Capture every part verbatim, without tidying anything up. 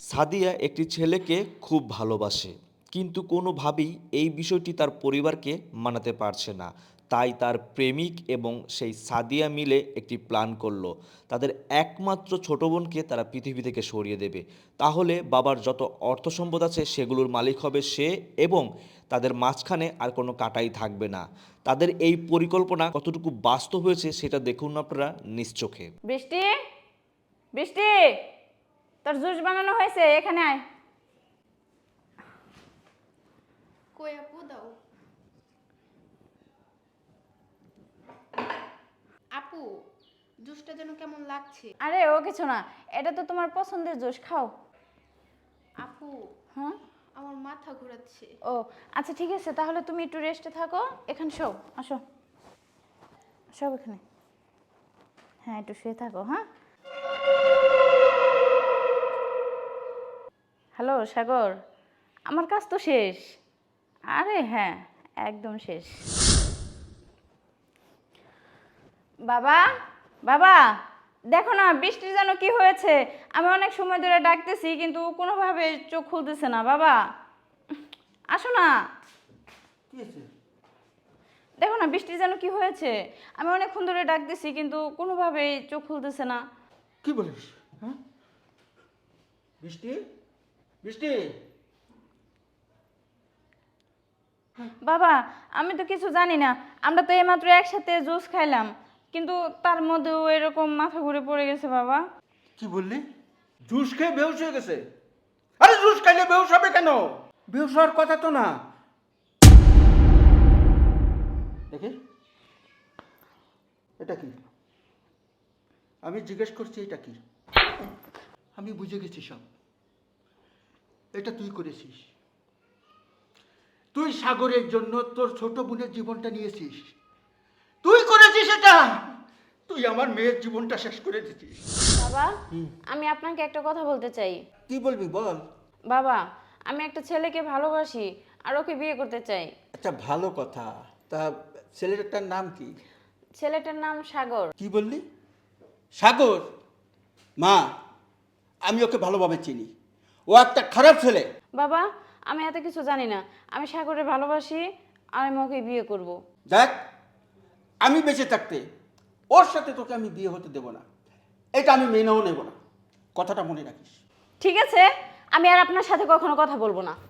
সাদিয়া একটি ছেলেকে খুব ভালোবাসে, কিন্তু কোনোভাবেই এই বিষয়টি তার পরিবারকে মানাতে পারছে না। তাই তার প্রেমিক এবং সেই সাদিয়া মিলে একটি প্ল্যান করলো। তাদের একমাত্র ছোট বোনকে তারা পৃথিবী থেকে সরিয়ে দেবে। তাহলে বাবার যত অর্থ সম্পদ আছে সেগুলোর মালিক হবে সে, এবং তাদের মাঝখানে আর কোনো কাটাই থাকবে না। তাদের এই পরিকল্পনা কতটুকু বাস্তব হয়েছে সেটা দেখুন আপনারা নিজ চোখে। বৃষ্টি, বৃষ্টি, তোর জুস বানানো হয়েছে, এখানে আয়। কই আপু দাও। আপু জুসটা যেন কেমন লাগছে। আরে ও কিছু না, এটা তো তোমার পছন্দের জুস, খাও। আপু হ্যাঁ, আমার মাথা ঘোরাচ্ছে। ও আচ্ছা ঠিক আছে, তাহলে তুমি একটু রেস্টে থাকো। এখানে শো, আসো, সব এখানে। হ্যাঁ, একটু শুয়ে থাকো। হ্যাঁ, হ্যালো সাগর, আমার কাজ তো শেষ। আরে হ্যাঁ, একদম শেষ। বাবা, বাবা, দেখো না বৃষ্টির যেন কি হয়েছে। আমি অনেক সময় ধরে ডাকতেছি কিন্তু কোনোভাবে চোখ খুলতেছে না। বাবা, আসো না। কি হয়েছে? দেখো না বৃষ্টির যেন কি হয়েছে। আমি অনেকক্ষণ ধরে ডাকতেছি কিন্তু কোনোভাবে চোখ খুলতেছে না। কি বলিস? হ্যাঁ, বৃষ্টি, বৃষ্টি। বাবা, আমি তো কিছু জানি না। আমরা তো এইমাত্র একসাথে জুস খাইলাম, কিন্তু তার মধ্যেও এরকম মাথা ঘুরে পড়ে গেছে বাবা। কি বললি? জুস খেয়ে বেহুশ হয়ে গেছে? আরে জুস খাইলে বেহুশ হবে কেন? বেহুশ হওয়ার কথা তো না। দেখি, এটা কি? আমি জিজ্ঞেস করছি এটা কি? আমি বুঝে গেছি সব। এটা তুই করেছিস। তুই সাগরের জন্য তোর ছোট বোনের জীবনটা নিয়েছিস। তুই করেছিস এটা। তুই আমার মেয়ের জীবনটা শেষ করে দিছিস। বাবা, আমি আপনাকে একটা কথা বলতে চাই। কি বলবি বল। বাবা, আমি একটা ছেলেকে ভালোবাসি আর ওকে বিয়ে করতে চাই। আচ্ছা, ভালো কথা। তা ছেলেটার নাম কি? ছেলেটার নাম সাগর। কি বললি? সাগর? মা, আমি ওকে ভালোভাবে চিনি। ও একটা খারাপ ছেলে। বাবা, আমি এত কিছু জানি না। আমি সাগরে ভালোবাসি আর আমি ওকে বিয়ে করব। দেখ, আমি বেঁচে থাকতে ওর সাথে তোকে আমি বিয়ে হতে দেব না। এটা আমি মেনেও নেব না। কথাটা মনে রাখিস। ঠিক আছে, আমি আর আপনার সাথে কখনো কথা বলবো না।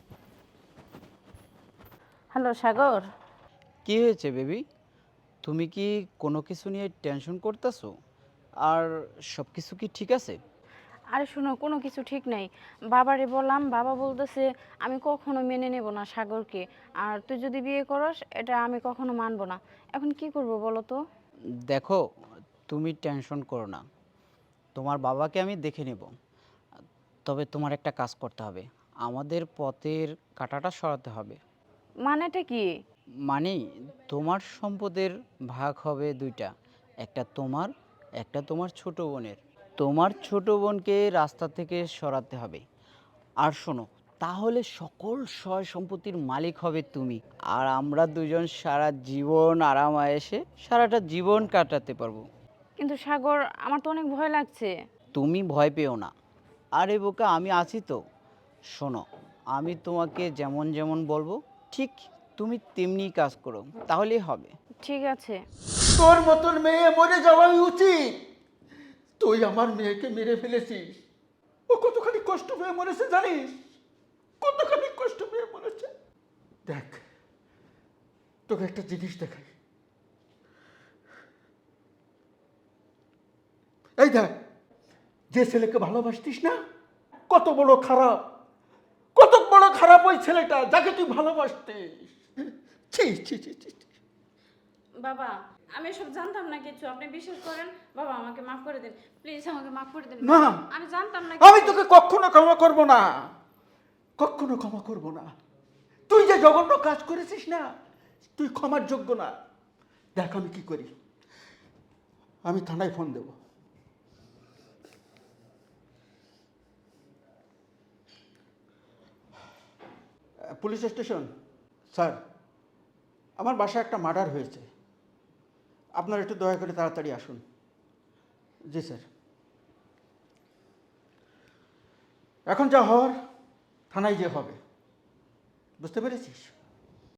হ্যালো সাগর। কি হয়েছে বেবি? তুমি কি কোনো কিছু নিয়ে টেনশন করতেছো? আর সব কিছু কি ঠিক আছে? আরে শোনো, কোনো কিছু ঠিক নাই। বাবারে বললাম, বাবা বলতেছে আমি কখনো মেনে নেব না সাগরকে। আর তুই যদি বিয়ে করস এটা আমি কখনো মানবো না। এখন কি করব বলো তো? দেখো, তুমি টেনশন করো না। তোমার বাবাকে আমি দেখে নেব। তবে তোমার একটা কাজ করতে হবে। আমাদের পথের কাঁটাটা সরাতে হবে। মানেটা কি? মানে তোমার সম্পদের ভাগ হবে দুইটা। একটা তোমার, একটা তোমার ছোট বোনের। তোমার ছোট বোনকে রাস্তা থেকে সরাতে হবে। আর শোনো, তাহলে সকল সয় সম্পত্তির মালিক হবে তুমি। আর আমরা দুজন সারা জীবন আরাম আয়েসে সারাটা জীবন কাটাতে পারবো। কিন্তু সাগর, আমার তো অনেক ভয় লাগছে। তুমি ভয় পেও না। আরে বোকা, আমি আছি তো। শোনো, আমি তোমাকে যেমন যেমন বলবো ঠিক তুমি তেমনি কাজ করো, তাহলেই হবে। ঠিক আছে। তোর মতন মেয়ে মরে যাওয়াই উচিত। তুই আমার মেয়েকে মেরে ফেলেছিস। ও কতখানি কষ্ট পেয়ে মরেছে জানিস? কতখানি কষ্ট পেয়ে মরেছে। দেখ, তোকে একটা জিনিস দেখাই। এই দেখ, যে ছেলেকে ভালোবাসতিস না, কত বড় খারাপ, কত বড় খারাপ ওই ছেলেটা যাকে তুই ভালোবাসতিস। ছি ছি ছি ছি ছি। বাবা, আমি এসব জানতাম না কিছু, আপনি বিশ্বাস করেন। বাবা, আমাকে মাফ করে দিন প্লিজ, আমাকে মাফ করে দিন। না, আমি জানতাম না আমি কিছু। তোকে কখনো ক্ষমা করব না, কখনো ক্ষমা করব না। তুই যে জঘন্য কাজ করেছিস না, তুই ক্ষমার যোগ্য না। দেখ আমি কি করি। আমি থানায় ফোন দেব। পুলিশ স্টেশন স্যার, আমার বাসায় একটা মার্ডার হয়েছে। আপনারা একটু দয়া করে তাড়াতাড়ি আসুন। জি স্যার। এখন যা হওয়ার থানায় যে হবে, বুঝতে পেরেছিস?